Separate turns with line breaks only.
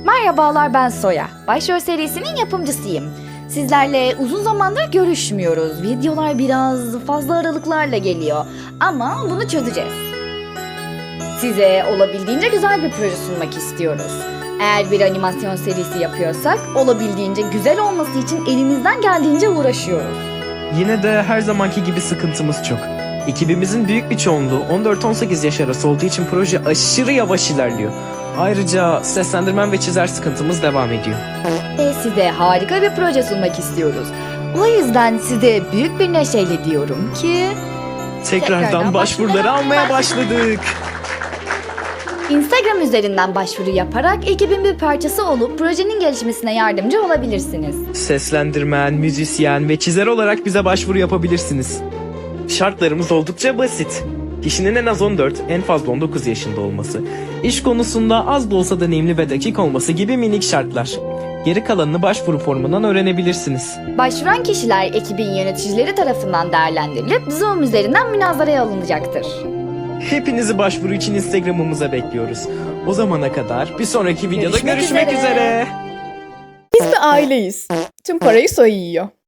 Merhabalar, ben Soya. Başrol serisinin yapımcısıyım. Sizlerle uzun zamandır görüşmüyoruz. Videolar biraz fazla aralıklarla geliyor. Ama bunu çözeceğiz. Size olabildiğince güzel bir proje sunmak istiyoruz. Eğer bir animasyon serisi yapıyorsak olabildiğince güzel olması için elimizden geldiğince uğraşıyoruz.
Yine de her zamanki gibi sıkıntımız çok. Ekibimizin büyük bir çoğunluğu 14-18 yaş arası olduğu için proje aşırı yavaş ilerliyor. Ayrıca seslendirmen ve çizer sıkıntımız devam ediyor.
Ve size harika bir proje sunmak istiyoruz. O yüzden size büyük bir neşeyle diyorum ki...
Tekrardan başvuruları almaya başladık.
Instagram üzerinden başvuru yaparak ekibin bir parçası olup projenin gelişmesine yardımcı olabilirsiniz.
Seslendirmen, müzisyen ve çizer olarak bize başvuru yapabilirsiniz. Şartlarımız oldukça basit. Kişinin en az 14, en fazla 19 yaşında olması, iş konusunda az da olsa deneyimli ve dakik olması gibi minik şartlar. Geri kalanını başvuru formundan öğrenebilirsiniz.
Başvuran kişiler ekibin yöneticileri tarafından değerlendirilip Zoom üzerinden münazaraya alınacaktır.
Hepinizi başvuru için Instagram'ımıza bekliyoruz. O zamana kadar bir sonraki videoda
Görüşmek
görüşmek
üzere.
üzere.
Biz bir aileyiz. Tüm parayı Soy yiyor.